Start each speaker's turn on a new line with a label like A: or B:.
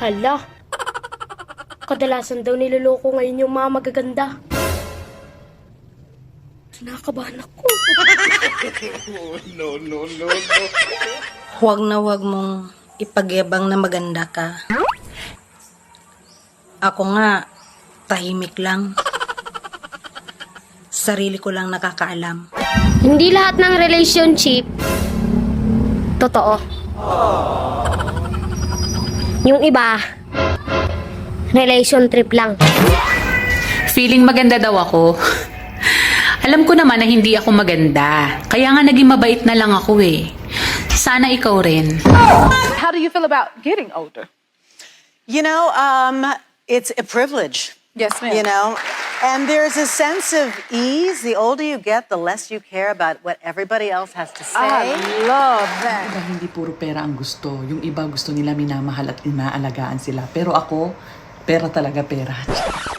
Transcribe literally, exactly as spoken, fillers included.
A: Hala. Kadalasan daw niloloko ngayon yung mga magaganda. Kinakabahan ako.
B: No, no, no, no.
C: Huwag na huwag mong ipagyabang na maganda ka. Ako nga, tahimik lang. Sarili ko lang nakakaalam.
A: Hindi lahat ng relationship totoo. Yung iba, relation trip lang.
D: Feeling maganda daw ako. Alam ko naman na hindi ako maganda. Kaya nga naging mabait na lang ako eh. Sana ikaw rin.
E: How do you feel about getting older?
F: You know, um, it's a privilege.
E: Yes, ma'am.
F: You know, and there's a sense of ease. The older you get, the less you care about what everybody else has to say.
E: I love that.
G: Diba, hindi puro pera ang gusto. Yung iba gusto nila minamahal at inaalagaan sila. Pero ako, pera talaga pera.